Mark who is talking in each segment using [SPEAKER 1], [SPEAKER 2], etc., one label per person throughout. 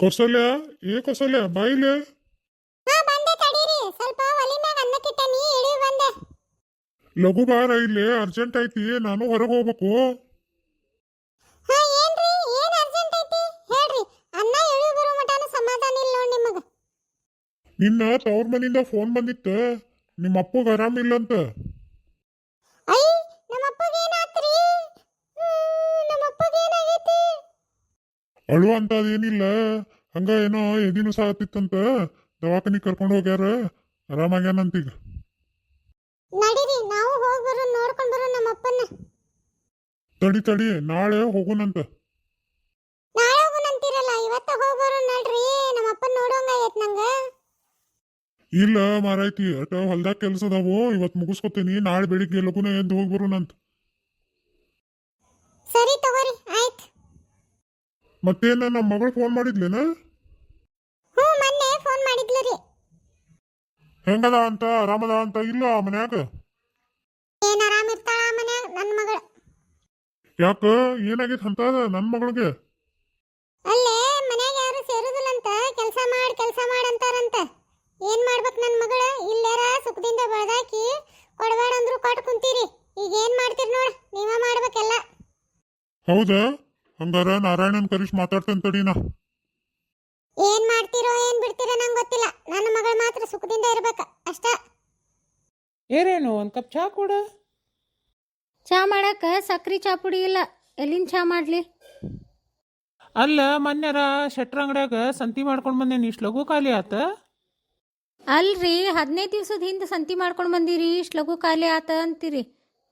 [SPEAKER 1] ಕೌಸಲ್ಯ ಕೌಸಲ್ಯ ಬಾಯಿಲೆ
[SPEAKER 2] ಹಾ ಬಂದೆ ತಡೀರಿ ಸ್ವಲ್ಪ ಒಲಿ ಮ್ಯಾಗ ಅನ್ನಕ್ಕಿಟ್ಟನಿ ಇಳಿ ಬಂದೆ.
[SPEAKER 1] ಲಘು ಬಾರ ಇಲ್ಲಿ ಅರ್ಜೆಂಟ್ ಐತಿ, ನಾನು ಹೊರಗೆ ಹೋಗ್ಬೇಕು.
[SPEAKER 2] ಹಾ ಏನ್ರಿ ಏನ್ ಅರ್ಜೆಂಟ್ ಐತಿ ಹೇಳ್ರಿ. ಅನ್ನ ಇಳಿ ಬರೋ ಮಟನ ಸಮಾಧಾನ ಇಲ್ಲ ನೋಡ್ ನಿಮಗ.
[SPEAKER 1] ನಿನ್ನ ತವ್ರ ಮನಿಂದ ಫೋನ್ ಬಂದಿತ್ತ, ನಿಮ್ಮ ಅಪ್ಪಗ ಆರಾಮಿಲ್ಲಂತ.
[SPEAKER 2] ಐ ನಮ್ಮಪ್ಪಗೆ ಏನಾತ್ರಿ? ನಮ್ಮಪ್ಪಗೆ ಏನಾಗೈತಿ?
[SPEAKER 1] ಅಳು ಅಂತ ಅದೇನಿಲ್ಲ, ಹಂಗ ಏನೋ ಎದಿನು ಸಾತಿತ್ತಂತ ದವಾಖಾನಿ ಕರ್ಕೊಂಡು ಹೋಗ್ಯಾರ, ಆರಾಮಾಗ್ಯಾನಂತೀಗ.
[SPEAKER 2] ನಡೀರಿ ನಾವು ಹೋಗಿ ಬರೋ ನೋಡ್ಕೊಂಡು ಬರೋ ನಮ್ಮಪ್ಪನ್ನ.
[SPEAKER 1] ತಡಿ ನಾಳೆ ಹೋಗುನಂತ.
[SPEAKER 2] ನಾಳೆ ಹೋಗುನಂತೀರಲ್ಲ, ಇವತ್ತ ಹೋಗಿ ಬರೋ ನಡ್ರಿ. ನಮ್ಮಪ್ಪನ ನೋಡೋಂಗ ಆಗೈತ್ ನಂಗ.
[SPEAKER 1] ಇಲ್ಲ ಮಾರಾಯ್ತಿ, ಅಟ ಹೊಲ್ದಾಗ ಕೆಲಸ ಅದಾವು, ಇವತ್ತು ಮುಗಿಸ್ಕೊತೀನಿ, ನಾಳೆ ಬೆಳಿಗ್ಗೆ ಲಗುನ ಎದ್ದು ಹೋಗಿ ಬರೋಣಂತ.
[SPEAKER 2] ಸರಿ ತಗೋರಿ ಆಯ್ತು.
[SPEAKER 1] ಮತ್ತೇನ ನಮ್ಮ ಮಗಳು ಫೋನ್ ಮಾಡಿದ್ಲೇನ?
[SPEAKER 2] ಹ್ಞೂ ಮೊನ್ನೆ ಫೋನ್ ಮಾಡಿದ್ಲು ರೀ.
[SPEAKER 1] ಹೆಂಗದ ಅಂತ, ಆರಾಮದ ಅಂತ? ಇಲ್ಲ ಮನ್ಯಾಗ
[SPEAKER 2] ಏನ್ ಆರಾಮ್ ಇರ್ತಾಳ ಮನ್ಯಾಗ ನನ್ನ ಮಗಳು.
[SPEAKER 1] ಯಾಕ ಏನಾಗೈತೆ ಅಂತ ನನ್ನ ಮಗಳಿಗೆ?
[SPEAKER 2] ಅಲ್ಲೇ ಮನ್ಯಾಗ ಯಾರು ಸೇರುದಿಲ್ಲಂತ, ಕೆಲಸ ಮಾಡಂತಾರಂತ. ಏನ್ ಮಾಡ್ಬೇಕು ನನ್ನ ಮಗಳ? ಇಲ್ಲೇರ ಸುಖದಿಂದ ಬೆಳ್ದಾಕಿ ಕೊಡಬೇಡ ಅಂದ್ರು ಕೊಟ್ಟು ಕುಂತೀರಿ. ಈಗ ಏನ್ ಮಾಡ್ತೀರಿ ನೋಡ, ನೀವ ಮಾಡ್ಬೇಕೆಲ್ಲ.
[SPEAKER 1] ಹೌದಾ? ಹಂಗಾರ ನಾರಾಯಣನ್ ಕರೀಶ್ ಮಾತಾಡ್ತೇನೆ ತಡಿನಾ.
[SPEAKER 2] ಏನ್ ಮಾಡ್ತೀರೋ ಏನ್ ಬಿಡ್ತೀರೋ ನಂಗೆ ಗೊತ್ತಿಲ್ಲ. ನನ್ನ ಮಗಳು ಮಾತ್ರ ಸುಖದಿಂದ ಇರ್ಬೇಕ ಅಷ್ಟ.
[SPEAKER 3] ಏನೇನು ಒಂದು ಕಪ್ ಚಹಾ ಕೊಡು.
[SPEAKER 4] ಚಾ ಮಾಡಕ್ಕೆ ಸಕ್ರೆ ಚಾ ಪುಡಿ ಇಲ್ಲ, ಎಲ್ಲಿಂದ ಚಾ ಮಾಡಲಿ?
[SPEAKER 3] ಅಲ್ಲ ಮೊನ್ನೆರ ಶೆಟ್ರ ಅಂಗಡ್ಯಾಗ ಸಂತಿ ಮಾಡ್ಕೊಂಡು ಬಂದೇನಿ, ಇಷ್ಟು ಲಘು ಖಾಲಿ ಆತ?
[SPEAKER 4] ಅಲ್ರಿ 15 ದಿವ್ಸದ ಹಿಂದೆ ಸಂತಿ ಮಾಡ್ಕೊಂಡು ಬಂದಿರಿ, ಇಷ್ಟು ಲಘು ಖಾಲಿ ಆತ ಅಂತೀರಿ.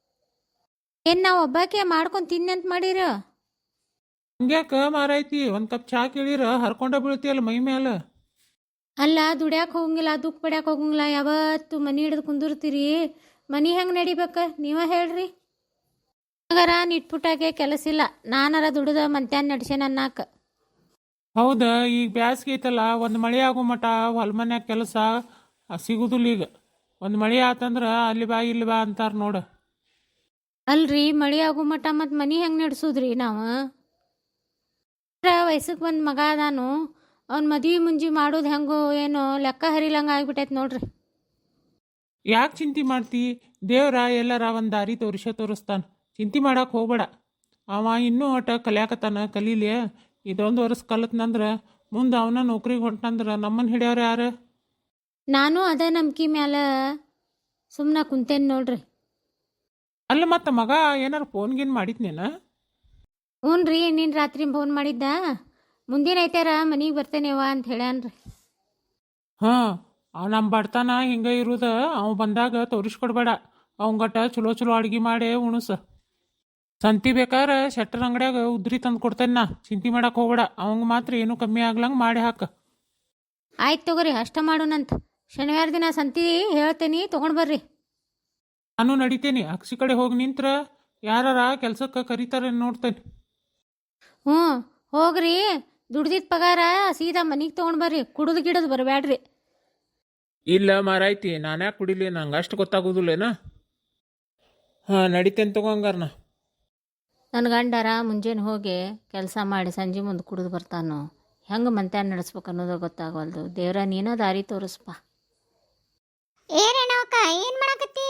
[SPEAKER 4] ಏನು ನಾವು ಒಬ್ಬಾಕೆ ಮಾಡ್ಕೊಂಡು ತಿನ್ನಿ ಅಂತ ಮಾಡಿರ?
[SPEAKER 3] ಹಂಗ್ಯಾಕ ಮಾರೈತಿ, ಒಂದು ಕಪ್ ಚಹಾ ಕೇಳಿರ ಹರ್ಕೊಂಡ ಬೀಳ್ತಿಯಲ್ಲ ಮೈ ಮೇಲೆ.
[SPEAKER 4] ಅಲ್ಲ ದುಡ್ಯಾಕೆ ಹೋಗಂಗಿಲ್ಲ, ದುಃಖ ಪಡ್ಯಾಕೆ ಹೋಗಂಗಿಲ್ಲ, ಯಾವತ್ತು ಮನೆ ಹಿಡಿದು ಕುಂದಿರ್ತೀರಿ. ಮನೆ ಹೆಂಗೆ ನಡಿಬೇಕ ನೀವ ಹೇಳ್ರಿ. ಹಾಗಾರ ನಿಟ್ಪುಟ್ಟಾಗೆ ಕೆಲಸ ಇಲ್ಲ, ನಾನಾರ ದುಡ್ದ ಮಂತ್ಯಾನ್ ನಡ್ಸೇನ ಅನ್ನಾಕ.
[SPEAKER 3] ಹೌದಾ, ಈಗ ಬ್ಯಾಸ್ಗೆ ಐತಲ್ಲ, ಒಂದು ಮಳೆ ಆಗೋ ಮಟ ಹೊಲ ಮನ್ಯಾಗ ಕೆಲಸ ಸಿಗುದಿಲ್ಲ. ಈಗ ಒಂದು ಮಳೆ ಆತಂದ್ರೆ ಅಲ್ಲಿ ಬಾ ಇಲ್ಲಿ ಬಾ ಅಂತಾರೆ ನೋಡು.
[SPEAKER 4] ಅಲ್ರಿ ಮಳೆ ಆಗೋ ಮಟ ಮತ್ತು ಮನೆ ಹೆಂಗೆ ನಡೆಸೋದ್ರಿ ನಾವು? ವಯಸ್ಸಿಗೆ ಬಂದ ಮಗ ಅದಾನು, ಅವ್ನ ಮದುವೆ ಮುಂಜಿ ಮಾಡೋದು ಹೆಂಗೋ ಏನೋ ಲೆಕ್ಕ ಹರಿಲಂಗೆ ಆಗ್ಬಿಟ್ಟೈತೆ ನೋಡ್ರಿ.
[SPEAKER 3] ಯಾಕೆ ಚಿಂತೆ ಮಾಡ್ತಿ? ದೇವ್ರ ಎಲ್ಲರ ಒಂದು ದಾರಿ ತೋರಿಸ್ತಾನೆ, ಚಿಂತೆ ಮಾಡಕ್ಕೆ ಹೋಗ್ಬೇಡ. ಅವ ಇನ್ನೂ ಒಟ್ಟ ಕಲಿಯಾಕತ್ತಾನ, ಕಲೀಲಿ. ಇದೊಂದು ವರ್ಷ ಕಲತ್ನಂದ್ರೆ ಮುಂದೆ ಅವನ ನೌಕರಿಗೆ ಹೊಂಟಂದ್ರೆ ನಮ್ಮನ್ನು ಹಿಡಿಯವ್ರು ಯಾರು?
[SPEAKER 4] ನಾನು ಅದ ನಂಬಿಕೆ ಮ್ಯಾಲ ಸುಮ್ಮನೆ ಕುಂತೇನೆ ನೋಡ್ರಿ.
[SPEAKER 3] ಅಲ್ಲ ಮತ್ತು ಮಗ ಏನಾರು ಫೋನ್ಗೇನು ಮಾಡಿದ್ನೇನ?
[SPEAKER 4] ಹ್ಞೂ ರೀ, ನೀನು ರಾತ್ರಿ ಫೋನ್ ಮಾಡಿದ್ದ, ಮುಂದಿನ ಐತಾರ ಮನೆಗೆ ಬರ್ತೇನೆವ ಅಂತ ಹೇಳ್ಯಾನ್ರಿ.
[SPEAKER 3] ಹಾಂ, ನಮ್ಮ ಬಡ್ತಾನ ಹಿಂಗೆ ಇರೋದು, ಅವ ಬಂದಾಗ ತೋರಿಸ್ಕೊಡ್ಬೇಡ. ಅವಂಗಟ್ಟ ಚಲೋ ಚಲೋ ಅಡ್ಗೆ ಮಾಡಿ ಉಣಸ. ಸಂತಿ ಬೇಕಾದ್ರೆ ಶೆಟ್ಟರ್ ಅಂಗಡ್ಯಾಗ ಉದ್ರಿ ತಂದು ಕೊಡ್ತೇನೆ ನಾ, ಚಿಂತೆ ಮಾಡಕ್ಕೆ ಹೋಗ್ಬೇಡ. ಅವಂಗೆ ಮಾತ್ರ ಏನೂ ಕಮ್ಮಿ ಆಗ್ಲಂಗೆ ಮಾಡಿ ಹಾಕ.
[SPEAKER 4] ಆಯ್ತು ತಗೋರಿ, ಅಷ್ಟ ಮಾಡೋಣಂತ. ಶನಿವಾರ ದಿನ ಸಂತಿ ಹೇಳ್ತೇನೆ, ತೊಗೊಂಡು ಬರ್ರಿ.
[SPEAKER 3] ನಾನು ನಡಿತೇನೆ, ಅಕ್ಷಿ ಕಡೆ ಹೋಗಿ ನಿಂತ್ರ ಯಾರಾರ ಕೆಲ್ಸಕ್ಕೆ ಕರೀತಾರೆ ನೋಡ್ತೇನೆ.
[SPEAKER 4] ಹ್ಞೂ ಹೋಗ್ರಿ, ದುಡ್ದಿದ್ದ ಪಗಾರ ಸೀದಾ ಮನೆಗೆ ತೊಗೊಂಡು ಬರ್ರಿ, ಕುಡಿದು ಗಿಡದು ಬರಬೇಡ್ರಿ.
[SPEAKER 3] ಇಲ್ಲ ಮಾರಾಯ್ತಿ, ನಾನ್ಯಾಕೆ ಕುಡಿಲಿ, ನಂಗೆ ಅಷ್ಟು ಗೊತ್ತಾಗೋದಿಲ್ಲೇನ? ಹಾಂ ನಡಿತೇನೆ ತಗೊಂಗಾರನ.
[SPEAKER 4] ನನ್ನ ಗಂಡರ ಮುಂಜಾನೆ ಹೋಗಿ ಕೆಲಸ ಮಾಡಿ ಸಂಜೆ ಮುಂದೆ ಕುಡಿದು ಬರ್ತಾನೋ, ಹೆಂಗೆ ಮಂತ್ಯಾನ ನಡೆಸ್ಬೇಕು ಅನ್ನೋದು ಗೊತ್ತಾಗವಲ್ದು. ದೇವ್ರ ನೀನೋ ದಾರಿ ತೋರಿಸ್ಪ.
[SPEAKER 2] ಏನೇನವಕ್ಕ ಏನ್ ಮಾಡಕತ್ತಿ?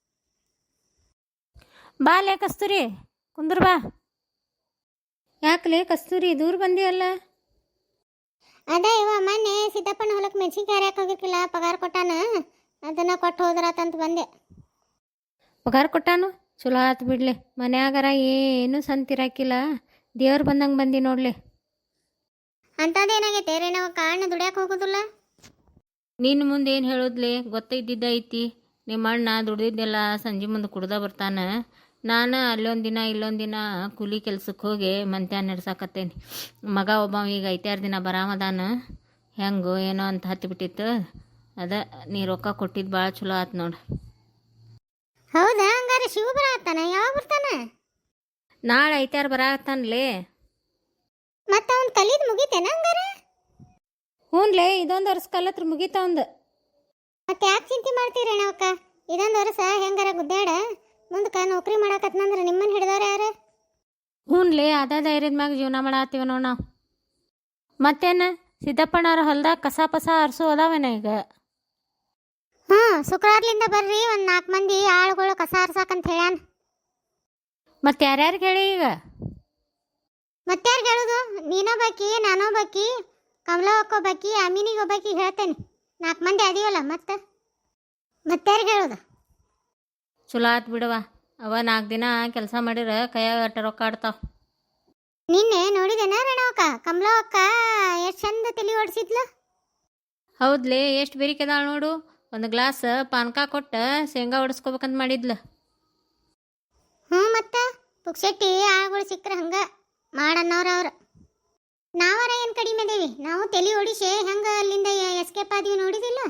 [SPEAKER 4] ಬಾ ಲೇ ಕಸ್ತೂರಿ, ಕುಂದ್ರ ಬಾ. ಯಾಕಲೇ ಕಸ್ತೂರಿ ದೂರ ಬಂದಿಯಲ್ಲ?
[SPEAKER 2] ಅದ ಇವ ಮೊನ್ನೆ ಸಿದ್ದಪ್ಪನ ಹೊಲಕ್ಕೆ ಮೆಣಸಿನ್ಕಾಯಿ ಹರ್ಯಾಕ ಹೋಗಿರ್ಕಿಲ್ಲ, ಪಗಾರ ಕೊಟ್ಟಾನ, ಅದನ್ನ ಕೊಟ್ಟು ಹೋದ್ರಾತಂತ ಬಂದೆ.
[SPEAKER 4] ಪಗಾರ ಕೊಟ್ಟಾನು? ಚಲೋ ಆತು ಬಿಡ್ಲಿ. ಮನ್ಯಾಗಾರ ಏನು ಸಂತಿರಾಕಿಲ್ಲ, ದೇವ್ರು ಬಂದಂಗೆ ಬಂದಿ ನೋಡ್ಲಿ.
[SPEAKER 2] ಅಂಥದ್ದೇನಾಗೈತೆ ರೇಣವಕ್ಕ? ಅಣ್ಣ ದುಡ್ಯಾಕ ಹೋಗೋದಿಲ್ಲ?
[SPEAKER 4] ನಿನ್ನ ಮುಂದೆ ಏನು ಹೇಳೋದ್ಲಿ, ಗೊತ್ತಿದ್ದಿದ್ದ ಐತಿ. ನಿಮ್ಮ ಅಣ್ಣ ದುಡ್ದಿದ್ದೆಲ್ಲ ಸಂಜೆ ಮುಂದೆ ಕುಡ್ದ ಬರ್ತಾನೆ. ನಾನು ಅಲ್ಲೊಂದು ದಿನ ಇಲ್ಲೊಂದು ದಿನ ಕೂಲಿ ಕೆಲ್ಸಕ್ಕೆ ಹೋಗಿ ಮಂತ್ಯಾನ ನಡ್ಸಾಕತ್ತೇನೆ. ಮಗ ಒಬ್ಬ ಈಗ 5-6 ದಿನ ಬರಾಮದಾನ, ಹೆಂಗೋ ಏನೋ ಅಂತ ಹತ್ತಿಬಿಟ್ಟಿತ್ತು. ಅದ ನೀ ರೊಕ್ಕ ಕೊಟ್ಟಿದ್ದು ಭಾಳ ಚಲೋ ಆತು ನೋಡು.
[SPEAKER 2] ಹೌದಾ? ಹಂಗಾರೆ ಶಿವ ಬರತ್ತಾನ? ಯಾವಾಗ ಬರ್ತಾನ?
[SPEAKER 4] ನಾಳೆ 5-6 ಬರಾಕತ್ತಾನಲೇ.
[SPEAKER 2] ಮತ್ತೆ ಅವ್ನು ಕಲಿದ್ ಮುಗಿತೇನ ಹಂಗಾರೆ?
[SPEAKER 4] ಹ್ಞೂನ್ಲೇ, ಇದೊಂದು ವರ್ಷ ಕಲತ್ರ ಮುಗೀತವಂದು.
[SPEAKER 2] ಮತ್ತೆ ಯಾಕೆ ಚಿಂತೆ ಮಾಡ್ತೀರಿ ಅಣ್ಣವಕ್ಕ? ಇದೊಂದು ವರ್ಷ ಹೆಂಗಾರ ಗುದ್ದಾಡ, ಮುಂದಕ್ಕೆ ನೌಕರಿ ಮಾಡಾಕತ್ನಂದ್ರೆ ನಿಮ್ಮನ್ನು ಹಿಡಿದವ್ರು ಯಾರು?
[SPEAKER 4] ಹ್ಞೂನ್ಲೇ, ಅದ ಧೈರ್ಯದ ಮ್ಯಾಗ ಜೀವನ ಮಾಡತ್ತೀವ ನೋಡಿ ನಾವು. ಮತ್ತೇನು ಸಿದ್ದಪ್ಪಣ್ಣವ್ರ ಹೊಲ್ದಾಗ ಕಸ ಪಸ ಹರಿಸು ಅದಾವೇನ ಈಗ?
[SPEAKER 2] ಹ್ಞೂ ಶುಕ್ರವಾರ್ಲಿಂದ ಬರ್ರಿ ಒಂದು 4 ಮಂದಿ ಆಳುಗಳು ಕಸ ಹರ್ಸಾಕಂತ ಹೇಳ್ಯಾನ.
[SPEAKER 4] ಮತ್ತೆ ಯಾರ್ಯಾರಿಗೆ ಹೇಳಿ ಈಗ?
[SPEAKER 2] ಮತ್ಯಾರು ಹೇಳುದು? ನೀನೊಬ್ಬಾಕಿ, ನಾನೊಬ್ಬಾಕಿ, ಕಮಲವ್ವಕ್ಕೊಬ್ಬಾಕಿ, ಅಮೀನಿಗೊಬ್ಬಾಕಿ ಹೇಳ್ತೇನೆ. 4 ಮಂದಿ ಅದೀವಲ್ಲ ಮತ್ಯಾರಿಗೆ ಹೇಳುದು?
[SPEAKER 4] ಚಲೋ ಆತ್ ಬಿಡವ. ಅವ 4 ದಿನ ಕೆಲಸ ಮಾಡಿರ ಕೈಯಾಗ ಅಟ್ಟ ರೊಕ್ಕ ಆಡ್ತಾವ.
[SPEAKER 2] ನಿನ್ನೆ ನೋಡಿದೇನ ರಣವಕ್ಕ? ಕಮಲವ್ವಕ್ಕ ಎಷ್ಟು ಚಂದ ತಲೆ ಓಡಿಸಿದ್ಲು.
[SPEAKER 4] ಹೌದ್ಲೇ, ಎಷ್ಟು ಬೇರಿಕೆದಾಳ ನೋಡು. ಒಂದು ಗ್ಲಾಸ್ ಪಾನಕ ಕೊಟ್ಟ ಶೇಂಗಾ ಹೊಡಿಸ್ಕೋಬೇಕಂತ ಮಾಡಿದ್ಲು.
[SPEAKER 2] ಹ್ಞೂ ಮತ್ತೆ ಪುಕ್ಸೆಟ್ಟಿ ಆಳುಗಳು ಸಿಕ್ಕರೆ ಹಂಗೆ ಮಾಡನ್ನೋರು ಅವ್ರು. ನಾವರ ಏನು ಕಡಿಮೆ ಅದೇವಿ? ನಾವು ತಲೆ ಓಡಿಸಿ ಹೆಂಗೆ ಅಲ್ಲಿಂದ ಎಸ್ಕೇಪ್ ಆದೀವಿ ನೋಡಿದಿಲ್ಲ?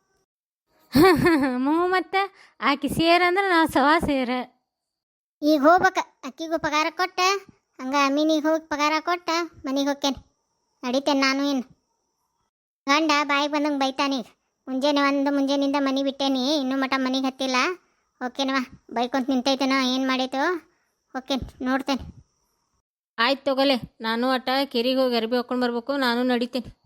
[SPEAKER 4] ಮತ್ತೆ ಆಕಿ ಸೇರಂದ್ರೆ ನಾವು ಸವಾ ಸೇರ.
[SPEAKER 2] ಈಗ ಹೋಗ್ಬೇಕ, ಅಕ್ಕಿಗೂ ಪಗಾರ ಕೊಟ್ಟ ಹಂಗೆ ಅಮೀನಿಗೆ ಹೋಗಿ ಪಗಾರ ಕೊಟ್ಟ ಮನೆಗೆ ಹೋಗ್ತೇನೆ. ನಡಿತೇನೆ ನಾನು. ಏನು ಗಂಡ ಬಾಯಿಗೆ ಬಂದಂಗೆ ಬೈತಾನೀಗ. ಮುಂಜಾನಿಂದ ಮನೆ ಬಿಟ್ಟೇನಿ, ಇನ್ನೂ ಮಟ ಮನೆಗೆ ಹತ್ತಿಲ್ಲ. ಓಕೆನವ, ಬೈಕೊಂತ ನಿಂತೈತೇನೋ, ಏನು ಮಾಡೈತೋ ಓಕೆ ನೋಡ್ತೇನೆ.
[SPEAKER 4] ಆಯ್ತು ತಗೋಲೆ, ನಾನು ಅಟ್ಟ ಕೆರಿಗೆ ಹೋಗಿ ಅರ್ಬಿ ಹಾಕೊಂಡು ಬರ್ಬೇಕು. ನಾನು ನಡಿತೇನೆ.